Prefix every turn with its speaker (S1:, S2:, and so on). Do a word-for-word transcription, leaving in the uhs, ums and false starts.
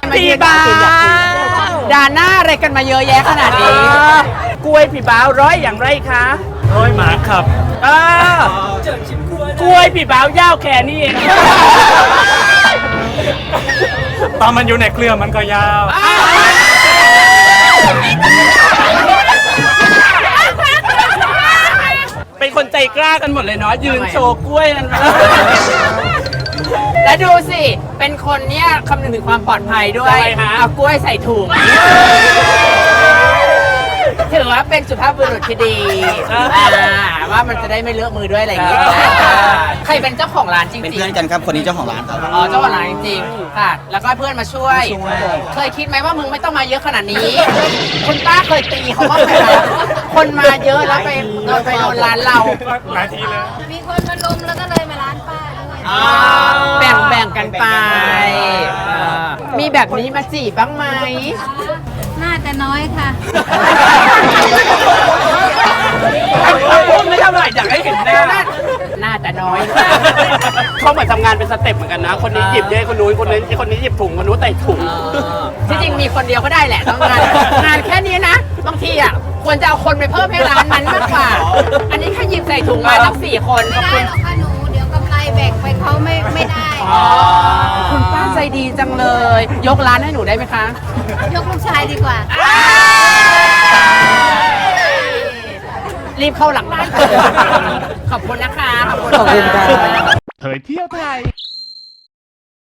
S1: พี่บ้าด่าหน้าอะไรกันมาเยอะแยะขนาดนี้กล้วยพี่บ้าวร้อยอย่างไรคะ
S2: ร้อยหมาครับ
S1: อ่ากล้วยพี่บ้าวยาวแค่นี้เอง
S2: ตอนมันอยู่ในเครือมันก็ยาว
S1: เป็นคนใจกล้ากันหมดเลยเนาะยืนโชว์กล้วยนั่นมาแล้วดูสิเป็นคนเนี้ยคำนึงถึงความปลอดภัยด้วยเอากล้วยใส่ถุงถือว่าเป็นสุภาพบุรุษที่ดีว่ามันจะได้ไม่เลอะมือด้วยอะไรอย่างเงี้ยใครเป็นเจ้าของร้านจริงๆ
S3: เป็นเพื่อนกันครับคนนี้เจ้าของร้านครับ
S1: อ๋อเจ้าของร้านจริงๆค่ะแล้วก็เพื่อนมาช่วยเคยคิดไหมว่ามึงไม่ต้องมาเยอะขนาดนี้คุณป้าเคยตีเขาบ้างไหมคะคนมาเยอะแล้วไปโดนไปโดนร้านเรา
S2: หลายทีเลย
S4: มีคนมาลุมแล้วก็เลยมาร้านป้าด้วย
S1: แบ่งแบ่งกันไปมีแบบนี้มาจีบบ้างไหม
S4: น่าจะน้อยค่ะ
S1: พูดไม่เท่าไหร่อยากให้เห็นหน้าน่าจะน้อยเขาเหมือนทำงานเป็นสเต็ปเหมือนกันนะคนนี้หยิบเยอะคนนู้นคนนี้คนนี้หยิบถุงคนนู้นใส่ถุงที่จริงมีคนเดียวก็ได้แหละต้องงานงานแค่นี้นะบางทีอ่ะควรจะเอาคนไปเพิ่มให้ร้านนั้นมากกว่าอันนี้แค่หยิบใส่ถุงมาตั้งสี่คน
S4: ไม่ได้หรอกค่ะหนูเดี๋ยวกำไรแบ่งไปเขาไม่ไม่ได้
S1: คุณป้าใจดีจังเลย ยกร้านให้หนูได้ไหมคะ
S4: ยกลูกชายดีกว่า
S1: รีบเข้าหลังร้านขอบคุณนะคะขอบคุณค่ะ
S5: เผยเที่ยวไทย